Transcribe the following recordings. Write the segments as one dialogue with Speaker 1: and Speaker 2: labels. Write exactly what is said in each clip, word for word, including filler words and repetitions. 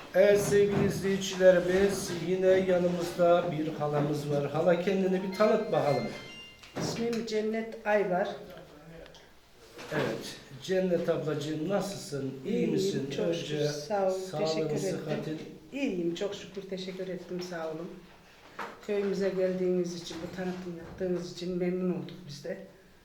Speaker 1: Evet sevgili izleyicilerimiz, yine yanımızda bir halamız var. Hala kendini bir tanıt bakalım.
Speaker 2: İsmim Cennet Ayvar.
Speaker 1: Evet, Cennet ablacığım nasılsın? İyi
Speaker 2: İyiyim,
Speaker 1: misin?
Speaker 2: çok
Speaker 1: Önce
Speaker 2: şükür. Sağ ol,
Speaker 1: sağlığın,
Speaker 2: teşekkür
Speaker 1: sıhhatin.
Speaker 2: ettim. İyiyim, çok şükür teşekkür ettim, sağ olun. Köyümüze geldiğiniz için, bu tanıtım yaptığınız için memnun olduk biz de.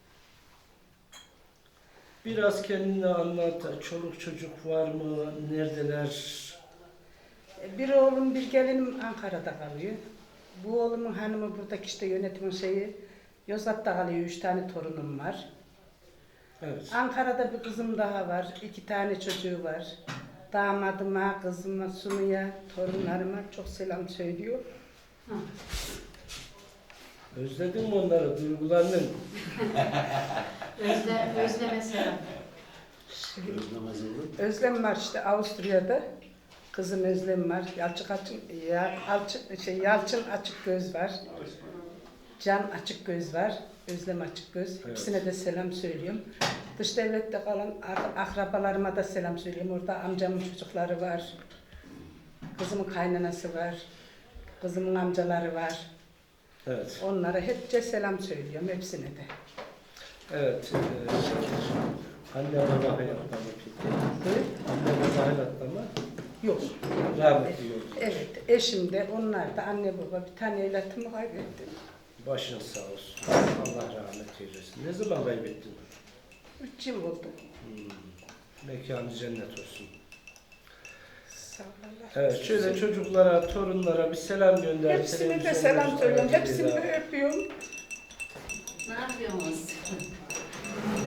Speaker 1: Biraz kendini anlat. Çoluk çocuk var mı? Neredeler?
Speaker 2: Bir oğlum, bir gelinim Ankara'da kalıyor. Bu oğlumun hanımı buradaki işte yönetimin şeyi, Yozgat'ta kalıyor, üç tane torunum var.
Speaker 1: Evet.
Speaker 2: Ankara'da bir kızım daha var, iki tane çocuğu var. Damadıma, kızıma, Sunu'ya, torunlarıma çok selam söylüyor.
Speaker 1: Özledin mi onları? Duygulandın?
Speaker 3: Özle, özleme selam.
Speaker 2: Özlem var işte Avusturya'da. Kızım Özlem var. Yalçın açık, ya, Alçın, şey, Yalçın açık göz var. Can açık göz var. Özlem açık göz.
Speaker 1: Evet.
Speaker 2: Hepsine de selam söylüyorum. Dış devlette kalan ak- akrabalarıma da selam söylüyorum. Orada amcamın çocukları var. Kızımın kaynanası var. Kızımın amcaları var.
Speaker 1: Evet.
Speaker 2: Onlara hepçe selam söylüyorum. Hepsine de.
Speaker 1: Evet. E, anne baba hayatta mı peki? Anne baba hayatta mı?
Speaker 2: Yok.
Speaker 1: Rahmetli yok.
Speaker 2: Evet. Eşim de onlar da anne baba. Bir tane evlatımı kaybettim.
Speaker 1: Başın sağ olsun. Allah rahmet eylesin. Ne zaman kaybettin?
Speaker 2: Üç yıl oldu.
Speaker 1: Hmm. Mekanı cennet olsun.
Speaker 2: Sağ ol Allah.
Speaker 1: Evet, şöyle çocuklara, torunlara bir selam gönder.
Speaker 2: Hepsine de
Speaker 1: Televizyon
Speaker 2: selam
Speaker 1: göster,
Speaker 2: söylüyorum.
Speaker 1: T V'de.
Speaker 2: Hepsini de öpüyorum.
Speaker 3: Ne yapıyorsunuz?